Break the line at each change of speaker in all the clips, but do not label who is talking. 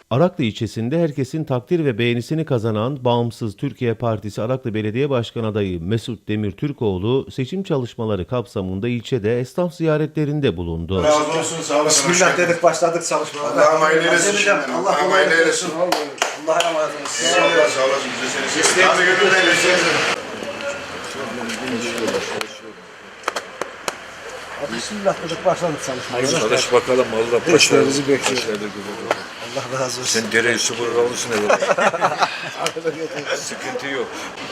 Araklı ilçesinde herkesin takdir ve beğenisini kazanan Bağımsız Türkiye Partisi Araklı Belediye Başkan Adayı Mesut Demir Türkoğlu seçim çalışmaları kapsamında ilçede esnaf ziyaretlerinde bulundu.
Razı olsun, sağ olasın.
Bismillah dedik, başladık çalışmalara.
Allah'ım hayırlı eylesin. Allah'ım hayırlı eylesin.
Allah'a emanet olun.
Sağ olasın, bize seni seviyorum. Hadi gönülden eylesin.
Bismillah dedik, başladık çalışmalara.
Çalış bakalım Allah başarılı.
Desteğinizi bekliyoruz. Allah razı olsun.
Sen dereyi sıfır alırsın evde. Sıkıntı yok.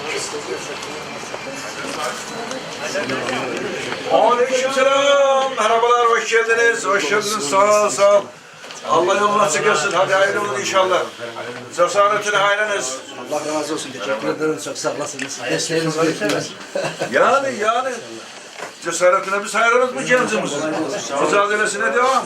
Aleykümselam. Merhabalar, hoş geldiniz. Hoş geldiniz. Sağ ol, sağ ol. Allah yolunu açık etsin. Hadi hayırlı olun inşallah. Cesaretine hayranız.
Allah razı olsun. Teşekkür ederim. Çok sağ olasınız. Desteğinizi bekliyoruz.
Yani. Cesaretine biz hayranız bu gencimiz. Mücadelesine devam.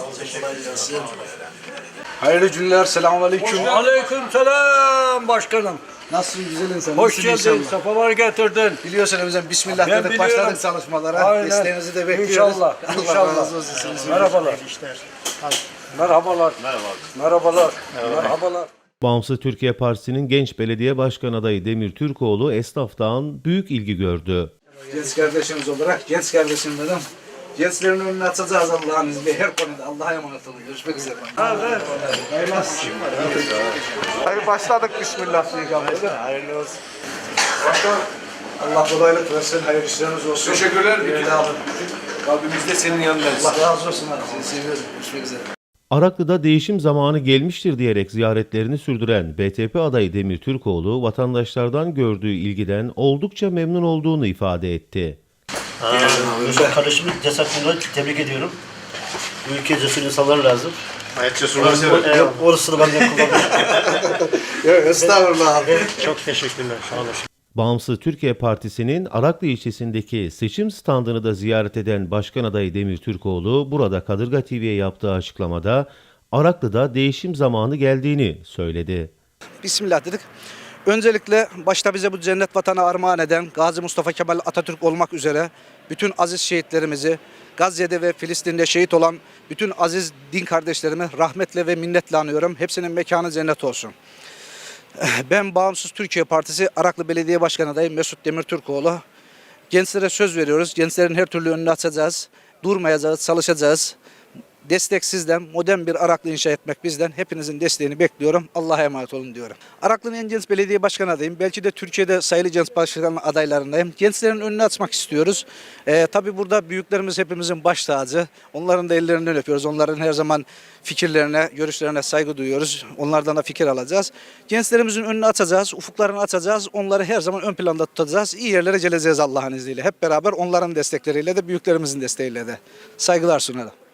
Hayırlı günler. Selamünaleyküm.
Aleykümselam başkanım.
Nasılsın güzel insan?
Hoş geldin. Safalar getirdin.
Biliyorsun bizden bismillah
Ben
dedik,
biliyorum.
başladık çalışmalara.
Aynen.
Desteğinizi de bekliyoruz.
İnşallah.
Allah
İnşallah.
razı olsun. Sizin
Merhabalar. Merhabalar. Merhabalar. Merhabalar.
Bağımsız Türkiye Partisi'nin genç belediye başkan adayı Demir Türkoğlu esnaftan büyük ilgi gördü.
Genç kardeşimiz olarak, genç kardeşim dedim. Gençlerin önünü açacağız Allah'ın izniyle. Her konuda Allah'a emanet olun. Görüşmek üzere. Hayırlı olsun. Hayır, başladık bismillah. Hayırlı olsun.
Başkan,
Allah kolaylık versin. Hayırlı işleriniz olsun.
teşekkürler.
Kalbimizde senin yanındayız.
Allah razı olsun abi. Seni seviyorum. Görüşmek üzere.
Araklı'da değişim zamanı gelmiştir diyerek ziyaretlerini sürdüren BTP adayı Demir Türkoğlu, vatandaşlardan gördüğü ilgiden oldukça memnun olduğunu ifade etti.
Kardeşimi cesaretini tebrik ediyorum. Bu ülkeye cesur insanlar lazım.
Hayat cesurları sever.
Yok, orasını ben de kullanıyorum.
Yok, estağfurullah abi.
Çok teşekkürler. Sağ olun.
Bağımsız Türkiye Partisi'nin Araklı ilçesindeki seçim standını da ziyaret eden başkan adayı Demir Türkoğlu, burada Kadırga TV'ye yaptığı açıklamada Araklı'da değişim zamanı geldiğini söyledi.
Bismillah dedik. Öncelikle başta bize bu cennet vatanı armağan eden Gazi Mustafa Kemal Atatürk olmak üzere bütün aziz şehitlerimizi, Gazze'de ve Filistin'de şehit olan bütün aziz din kardeşlerimi rahmetle ve minnetle anıyorum. Hepsinin mekanı cennet olsun. Ben Bağımsız Türkiye Partisi Araklı Belediye Başkanı adayı Mesut Demir Türkoğlu. Gençlere söz veriyoruz. Gençlerin her türlü önünü açacağız. Durmayacağız, çalışacağız. Destek sizden, modern bir Araklı inşa etmek bizden. Hepinizin desteğini bekliyorum. Allah'a emanet olun diyorum. Araklı'nın en genç belediye başkanı adayım. Belki de Türkiye'de sayılı genç başkan adaylarındayım. Gençlerin önünü açmak istiyoruz. Tabii burada büyüklerimiz hepimizin baş tacı. Onların da ellerinden öpüyoruz. Onların her zaman fikirlerine, görüşlerine saygı duyuyoruz. Onlardan da fikir alacağız. Gençlerimizin önünü açacağız, ufuklarını açacağız. Onları her zaman ön planda tutacağız. İyi yerlere geleceğiz Allah'ın izniyle. Hep beraber onların destekleriyle de, büyüklerimizin desteğiyle de. Saygılar sunarım.